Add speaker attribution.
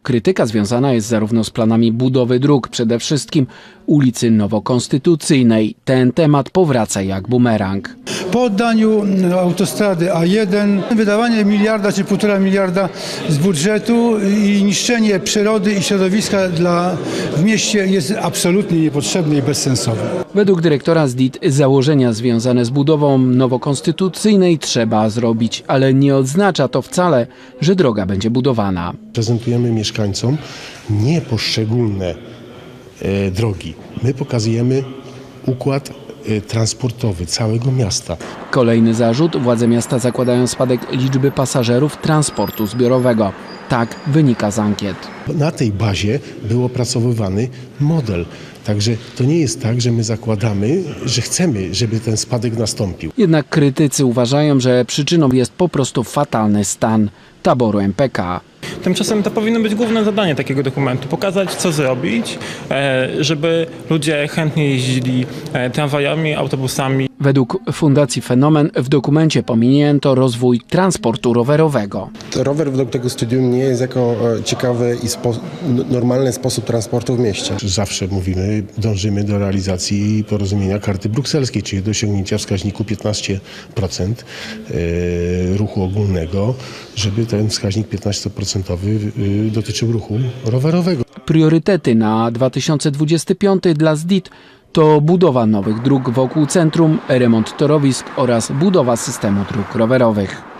Speaker 1: Krytyka związana jest zarówno z planami budowy dróg, przede wszystkim ulicy Nowokonstytucyjnej. Ten temat powraca jak bumerang.
Speaker 2: Po oddaniu autostrady A1 wydawanie miliarda czy 1,5 miliarda z budżetu i niszczenie przyrody i środowiska w mieście jest absolutnie niepotrzebne i bezsensowne.
Speaker 1: Według dyrektora ZDIT założenia związane z budową Nowokonstytucyjnej trzeba zrobić, ale nie oznacza to wcale, że droga będzie budowana.
Speaker 3: Prezentujemy mieszkańcom nie poszczególne drogi. My pokazujemy układ transportowy całego miasta.
Speaker 1: Kolejny zarzut: władze miasta zakładają spadek liczby pasażerów transportu zbiorowego. Tak wynika z ankiet.
Speaker 3: Na tej bazie był opracowywany model. Także to nie jest tak, że my zakładamy, że chcemy, żeby ten spadek nastąpił.
Speaker 1: Jednak krytycy uważają, że przyczyną jest po prostu fatalny stan taboru MPK.
Speaker 4: Tymczasem to powinno być główne zadanie takiego dokumentu. Pokazać, co zrobić, żeby ludzie chętnie jeździli tramwajami, autobusami.
Speaker 1: Według Fundacji Fenomen w dokumencie pominięto rozwój transportu rowerowego.
Speaker 5: Rower według tego studium nie jest jako ciekawy i normalny sposób transportu w mieście.
Speaker 3: Zawsze mówimy, dążymy do realizacji porozumienia karty brukselskiej, czyli do osiągnięcia wskaźniku 15% ruchu ogólnego, żeby ten wskaźnik 15% dotyczył ruchu rowerowego.
Speaker 1: Priorytety na 2025 dla ZDIT to budowa nowych dróg wokół centrum, remont torowisk oraz budowa systemu dróg rowerowych.